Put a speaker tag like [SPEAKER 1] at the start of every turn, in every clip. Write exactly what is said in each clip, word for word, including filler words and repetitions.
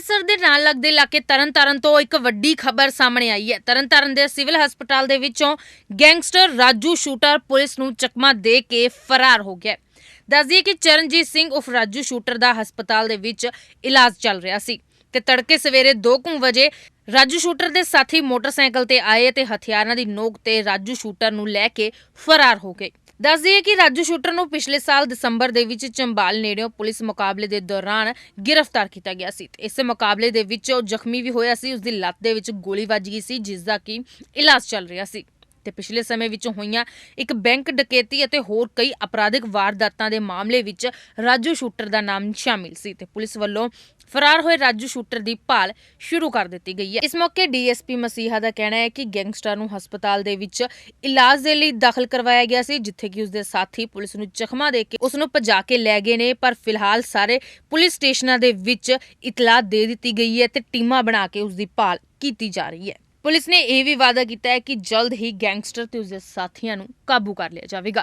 [SPEAKER 1] ਅੰਮ੍ਰਿਤਸਰ ਦੇ ਨਾਲ ਲੱਗਦੇ ਇਲਾਕੇ ਤਰਨਤਾਰਨ ਤੋਂ ਇੱਕ ਵੱਡੀ ਖਬਰ ਸਾਹਮਣੇ ਆਈ ਹੈ। ਤਰਨਤਾਰਨ ਦੇ ਸਿਵਲ ਹਸਪਤਾਲ ਦੇ ਵਿੱਚੋਂ ਗੈਂਗਸਟਰ ਰਾਜੂ ਸ਼ੂਟਰ ਪੁਲਿਸ ਨੂੰ ਚਕਮਾ ਦੇ ਕੇ ਫਰਾਰ ਹੋ ਗਿਆ। ਦੱਸ ਦਈਏ ਕਿ ਚਰਨਜੀਤ ਸਿੰਘ ਉਫ ਰਾਜੂ ਸ਼ੂਟਰ ਦਾ ਹਸਪਤਾਲ ਦੇ ਵਿੱਚ ਇਲਾਜ ਚੱਲ ਰਿਹਾ ਸੀ ਤੇ ਤੜਕੇ ਸਵੇਰੇ ਦੋ ਕੁ ਵਜੇ ਰਾਜੂ ਸ਼ੂਟਰ ਦੇ ਸਾਥੀ ਮੋਟਰਸਾਈਕਲ ਤੇ ਆਏ ਤੇ ਹਥਿਆਰਾਂ ਦੀ ਨੋਕ ਤੇ ਰਾਜੂ ਸ਼ੂਟਰ ਨੂੰ ਲੈ ਕੇ ਫਰਾਰ ਹੋ ਗਏ। ਦੱਸ ਦਈਏ ਕਿ ਰਾਜੂ ਸ਼ੂਟਰ ਨੂੰ ਪਿਛਲੇ ਸਾਲ ਦਸੰਬਰ ਦੇ ਵਿੱਚ ਚੰਬਾਲ ਨੇੜਿਓਂ ਪੁਲਿਸ ਮੁਕਾਬਲੇ ਦੇ ਦੌਰਾਨ ਗ੍ਰਿਫਤਾਰ ਕੀਤਾ ਗਿਆ ਸੀ। ਇਸ ਮੁਕਾਬਲੇ ਦੇ ਵਿੱਚ ਉਹ ਜ਼ਖਮੀ ਵੀ ਹੋਇਆ ਸੀ। ਉਸ ਦੀ ਲੱਤ ਦੇ ਵਿੱਚ ਗੋਲੀ ਵੱਜ ਗਈ ਸੀ, ਜਿਸ ਦਾ ਕਿ ਇਲਾਜ ਚੱਲ ਰਿਹਾ ਸੀ ਤੇ ਪਿਛਲੇ ਸਮੇਂ ਵਿੱਚ ਹੋਈਆਂ ਇੱਕ ਬੈਂਕ ਡਕੈਤੀ ਅਤੇ ਹੋਰ ਕਈ ਅਪਰਾਧਿਕ ਵਾਰਦਾਤਾਂ ਦੇ ਮਾਮਲੇ ਵਿੱਚ ਰਾਜੂ ਸ਼ੂਟਰ ਦਾ ਨਾਮ ਸ਼ਾਮਿਲ ਸੀ ਤੇ ਪੁਲਿਸ ਵੱਲੋਂ ਫਰਾਰ ਹੋਏ ਰਾਜੂ ਸ਼ੂਟਰ ਦੀ ਭਾਲ ਸ਼ੁਰੂ ਕਰ ਦਿੱਤੀ ਗਈ ਹੈ। ਇਸ ਮੌਕੇ ਡੀਐਸਪੀ ਮਸੀਹਾ ਦਾ ਕਹਿਣਾ ਹੈ ਕਿ ਗੈਂਗਸਟਰ ਨੂੰ ਹਸਪਤਾਲ ਦੇ ਵਿੱਚ ਇਲਾਜ ਦੇ ਲਈ ਦਾਖਲ ਕਰਵਾਇਆ ਗਿਆ ਸੀ, ਜਿੱਥੇ ਕਿ ਉਸਦੇ ਸਾਥੀ ਪੁਲਿਸ ਨੂੰ ਜ਼ਖਮਾਂ ਦੇ ਕੇ ਉਸ ਨੂੰ ਭਜਾ ਕੇ ਲੈ ਗਏ ਨੇ। ਪਰ ਫਿਲਹਾਲ ਸਾਰੇ ਪੁਲਿਸ ਸਟੇਸ਼ਨਾਂ ਦੇ ਵਿੱਚ ਇਤਲਾਹ ਦੇ ਦਿੱਤੀ ਗਈ ਹੈ ਤੇ ਟੀਮਾਂ ਬਣਾ ਕੇ ਉਸ ਦੀ ਭਾਲ ਕੀਤੀ ਜਾ ਰਹੀ ਹੈ। ਪੁਲਿਸ ਨੇ ਇਹ ਵੀ ਵਾਅਦਾ ਕੀਤਾ ਹੈ ਕਿ ਜਲਦ ਹੀ ਗੈਂਗਸਟਰ ਤੇ ਉਸਦੇ ਸਾਥੀਆਂ ਨੂੰ ਕਾਬੂ ਕਰ ਲਿਆ ਜਾਵੇਗਾ।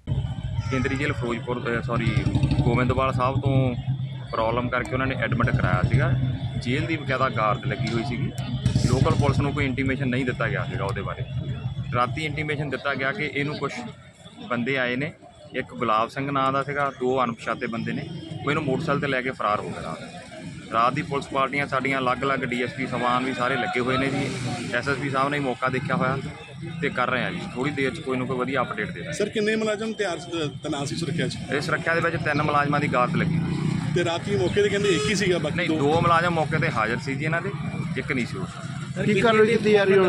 [SPEAKER 2] ਕੇਂਦਰੀ ਜੇਲ੍ਹ ਫਿਰੋਜ਼ਪੁਰ ਸੌਰੀ ਗੋਬਿੰਦਵਾਲ ਸਾਹਿਬ ਤੋਂ ਪ੍ਰੋਬਲਮ ਕਰਕੇ ਉਹਨਾਂ ਨੇ ਐਡਮਿਟ ਕਰਾਇਆ ਸੀਗਾ। ਜੇਲ੍ਹ ਦੀ ਬਕਾਇਦਾ ਗਾਰਡ ਲੱਗੀ ਹੋਈ ਸੀਗੀ। ਲੋਕਲ ਪੁਲਿਸ ਨੂੰ ਕੋਈ ਇੰਟੀਮੇਸ਼ਨ ਨਹੀਂ ਦਿੱਤਾ ਗਿਆ ਸੀਗਾ ਉਹਦੇ ਬਾਰੇ। ਰਾਤੀ ਇੰਟੀਮੇਸ਼ਨ ਦਿੱਤਾ ਗਿਆ ਕਿ ਇਹਨੂੰ ਕੁਝ ਬੰਦੇ ਆਏ ਨੇ, ਇੱਕ ਗੁਲਾਬ ਸਿੰਘ ਨਾਂ ਦਾ ਸੀਗਾ, ਦੋ ਅਣਪਛਾਤੇ ਬੰਦੇ ਨੇ, ਉਹ ਇਹਨੂੰ ਮੋਟਰਸਾਈਕਲ ਤੇ ਲੈ ਕੇ ਫਰਾਰ ਹੋ ਗਏ। ਰਾਤ ਰਾਤ ਦੀ ਪੁਲਿਸ ਪਾਰਟੀਆਂ ਸਾਡੀਆਂ ਅਲੱਗ-ਅਲੱਗ ਡੀਐਸਪੀ ਸਵਾਨ ਵੀ ਸਾਰੇ ਲੱਗੇ ਹੋਏ ਨੇ ਜੀ। ਐਸਐਸਪੀ ਸਾਹਿਬ ਨੇ ਮੌਕਾ ਦੇਖਿਆ ਹੋਇਆ ਤੇ ਕਰ ਰਹੇ ਆ ਜੀ। ਥੋੜੀ ਦੇਰ 'ਚ ਕੋਈ ਨਾ ਕੋਈ ਵਧੀਆ ਅਪਡੇਟ ਦੇ
[SPEAKER 3] ਸਰ ਕਿੰਨੇ ਮੁਲਾਜ਼ਮ ਤਿਆਰ ਤੈਨਾਤ ਸੀ ਸੁਰੱਖਿਆ 'ਚ?
[SPEAKER 2] ਇਸ ਸੁਰੱਖਿਆ ਦੇ ਵਿੱਚ ਤਿੰਨ ਮੁਲਾਜ਼ਮਾਂ ਦੀ ਗਾਰਡ ਲੱਗੀ
[SPEAKER 3] ਤੇ ਰਾਤੀ ਮੌਕੇ ਤੇ ਕਹਿੰਦੇ ਇੱਕ ਹੀ ਸੀਗਾ, ਬਾਕੀ
[SPEAKER 2] ਨਹੀਂ ਦੋ ਮੁਲਾਜ਼ਮ ਮੌਕੇ ਤੇ ਹਾਜ਼ਰ ਸੀ ਜੀ, ਇਹਨਾਂ ਦੇ ਇੱਕ ਨਹੀਂ ਸੀ। ਉਸ
[SPEAKER 4] ਕੀ ਕਾਰਵਾਈ ਕੀਤੀ ਜਾ ਰਹੀ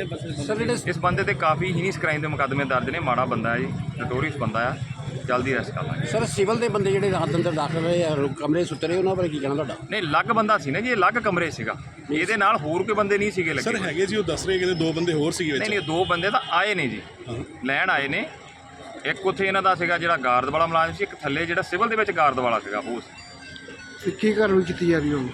[SPEAKER 4] ਹੋਣੀ?
[SPEAKER 2] ਇਸ ਬੰਦੇ ਤੇ ਕਾਫੀ ਹੀਨੀਸ ਕ੍ਰਾਈਮ ਦੇ ਮੁਕੱਦਮੇ ਦਰਜ ਨੇ। ਮਾੜਾ ਬੰਦਾ ਹੈ ਜੀ, ਨਟੋਰੀਅਸ ਬੰਦਾ ਆ। ਜਲਦੀ ਅਰੈਸਟ ਕਰ ਲਾਂਗੇ।
[SPEAKER 4] ਸਰ ਸਿਵਲ ਦੇ ਬੰਦੇ ਜਿਹੜੇ ਰਾਤ ਅੰਦਰ ਦਾਖਲ ਹੋਏ ਆ ਕਮਰੇ ਸੁੱਤੇ ਰਹੇ, ਉਹਨਾਂ ਬਾਰੇ ਕੀ ਕਹਿਣਾ ਤੁਹਾਡਾ?
[SPEAKER 2] ਨਹੀਂ ਅਲੱਗ ਬੰਦਾ ਸੀ ਨਾ ਜੀ, ਇਹ ਅਲੱਗ ਕਮਰੇ ਸੀਗਾ। ਇਹਦੇ ਨਾਲ ਹੋਰ ਕੋਈ ਬੰਦੇ ਨਹੀਂ ਸੀਗੇ ਲੱਗੇ।
[SPEAKER 3] ਸਰ ਹੈਗੇ ਜੀ, ਉਹ ਦੱਸ ਰਹੇ ਕਹਿੰਦੇ ਦੋ ਬੰਦੇ ਹੋਰ ਸੀਗੇ ਵਿੱਚ।
[SPEAKER 2] ਨਹੀਂ ਨਹੀਂ ਦੋ ਬੰਦੇ ਤਾਂ ਆਏ ਨੇ ਜੀ, ਲੈਣ ਆਏ ਨੇ। ਇੱਕ ਉੱਥੇ ਇਹਨਾਂ ਦਾ ਸੀਗਾ ਜਿਹੜਾ ਗਾਰਡ ਵਾਲਾ ਮੁਲਾਜ਼ਮ ਸੀ, ਇੱਕ ਥੱਲੇ ਜਿਹੜਾ ਸਿਵਲ ਦੇ ਵਿੱਚ ਗਾਰਡ ਵਾਲਾ ਸੀਗਾ ਉਹ ਸੀ।
[SPEAKER 4] ਕੀ ਕਾਰਵਾਈ ਕੀਤੀ ਜਾ ਰਹੀ ਹੁਣ?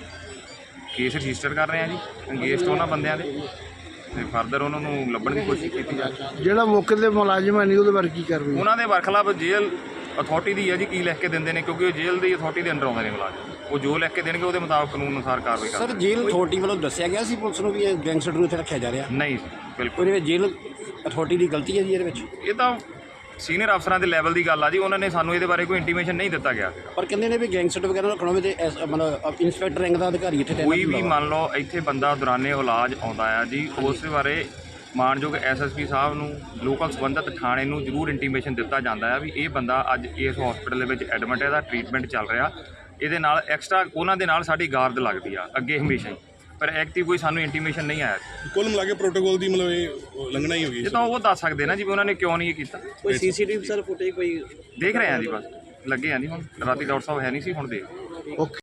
[SPEAKER 2] ਕੇਸ ਰਜਿਸਟਰ ਕਰ ਰਹੇ ਆ ਜੀ ਅੰਗੇਸਟ ਉਹਨਾਂ ਬੰਦਿਆਂ ਦੇ ਤੇ ਫਰਦਰ ਉਹਨਾਂ ਨੂੰ ਲੱਭਣ ਦੀ ਕੋਸ਼ਿਸ਼ ਕੀਤੀ ਜਾ ਰਹੀ।
[SPEAKER 4] ਜਿਹੜਾ ਮੌਕੇ ਦੇ ਮੁਲਾਜ਼ਮ ਹੈ ਨਹੀਂ ਉਹਦੇ ਬਾਰੇ ਕੀ ਕਾਰਵਾਈ?
[SPEAKER 2] ਉਹਨਾਂ ਦੇ ਵਰਖਲਾਫ ਜੇਲ੍ਹ ਅਥਾਰਟੀ ਦੀ ਹੈ ਜੀ, ਕੀ ਲਿਖ ਕੇ ਦਿੰਦੇ ਨੇ, ਕਿਉਂਕਿ ਉਹ ਜੇਲ੍ਹ ਦੀ ਅਥਾਰਟੀ ਦੇ ਅੰਡਰ ਆਉਂਦੇ ਨੇ ਮੁਲਾਜ਼ਮ। ਉਹ ਜੋ ਲਿਖ ਕੇ ਦੇਣਗੇ ਉਹਦੇ ਮੁਤਾਬਕ ਕਾਨੂੰਨ ਅਨੁਸਾਰ ਕਾਰਵਾਈ ਕਰਦੇ।
[SPEAKER 4] ਸਰ ਜੇਲ੍ਹ ਅਥਾਰਟੀ ਵੱਲੋਂ ਦੱਸਿਆ ਗਿਆ ਸੀ ਪੁਲਿਸ ਨੂੰ ਵੀ ਇਹ ਗੈਂਗਸਟਰ ਨੂੰ ਇੱਥੇ ਰੱਖਿਆ ਜਾ ਰਿਹਾ?
[SPEAKER 2] ਨਹੀਂ ਬਿਲਕੁਲ।
[SPEAKER 4] ਉਹਦੇ ਵਿੱਚ ਜੇਲ੍ਹ ਅਥਾਰਟੀ ਦੀ ਗਲਤੀ ਹੈ ਜੀ ਇਹਦੇ ਵਿੱਚ?
[SPEAKER 2] ਇਹ ਤਾਂ ਸੀਨੀਅਰ ਅਫਸਰਾਂ ਦੇ ਲੈਵਲ ਦੀ ਗੱਲ ਆ ਜੀ, ਉਹਨਾਂ ਨੇ ਸਾਨੂੰ ਇਹਦੇ ਬਾਰੇ ਕੋਈ ਇੰਟੀਮੇਸ਼ਨ ਨਹੀਂ ਦਿੱਤਾ ਗਿਆ।
[SPEAKER 4] ਪਰ ਕਹਿੰਦੇ ਨੇ ਵੀ ਗੈਂਗਸਟਰ ਵਗੈਰਾ ਰੱਖਣਾ ਹੋਵੇ ਤੇ ਮਤਲਬ ਇੰਸਪੈਕਟਰ ਰੈਂਕ ਦਾ ਅਧਿਕਾਰੀ ਇੱਥੇ
[SPEAKER 2] ਕੋਈ ਵੀ ਮੰਨ ਲਓ ਇੱਥੇ ਬੰਦਾ ਦੌਰਾਨੇ ਇਲਾਜ ਆਉਂਦਾ ਆ ਜੀ, ਉਸ ਬਾਰੇ ਮਾਨਯੋਗ ਐਸਐਸਪੀ ਸਾਹਿਬ ਨੂੰ ਲੋਕਲ ਸੰਬੰਧਿਤ ਥਾਣੇ ਨੂੰ ਜ਼ਰੂਰ ਇੰਟੀਮੇਸ਼ਨ ਦਿੱਤਾ ਜਾਂਦਾ ਆ ਵੀ ਇਹ ਬੰਦਾ ਅੱਜ ਇਸ ਹਸਪੀਟਲ ਦੇ ਵਿੱਚ ਐਡਮਿਟ ਹੈ, ਇਹਦਾ ਟ੍ਰੀਟਮੈਂਟ ਚੱਲ ਰਿਹਾ। ਇਹਦੇ ਨਾਲ ਐਕਸਟਰਾ ਉਹਨਾਂ ਦੇ ਨਾਲ ਸਾਡੀ ਗਾਰਡ ਲੱਗਦੀ ਆ ਅੱਗੇ ਹਮੇਸ਼ਾ ਹੀ, ਪਰ ਐਕਟਿਵ ਕੋਈ ਸਾਨੂੰ ਇੰਟੀਮੇਸ਼ਨ ਨਹੀਂ ਆਇਆ।
[SPEAKER 3] ਕੁੱਲ ਮਿਲਾ ਕੇ ਪ੍ਰੋਟੋਕੋਲ ਦੀ ਮਤਲਬ ਇਹ ਲੰਘਣਾ ਹੀ ਹੋ ਗਈ।
[SPEAKER 2] ਇਹ ਤਾਂ ਉਹ ਦੱਸ ਸਕਦੇ ਨਾ ਜੀ ਵੀ ਉਹਨਾਂ ਨੇ ਕਿਉਂ ਨਹੀਂ ਇਹ ਕੀਤਾ।
[SPEAKER 4] ਕੋਈ ਸੀਸੀਟੀਵੀ ਸਰ ਫੁਟੇਜ ਕੋਈ
[SPEAKER 2] ਦੇਖ ਰਹੇ ਆ ਜੀ, ਬਸ ਲੱਗੇ ਆ ਜੀ। ਹੁਣ ਰਾਤੀ ਡਾਕਟਰ ਸਾਹਿਬ ਹੈ ਨਹੀਂ ਸੀ, ਹੁਣ ਦੇਖ।
[SPEAKER 4] ਓਕੇ।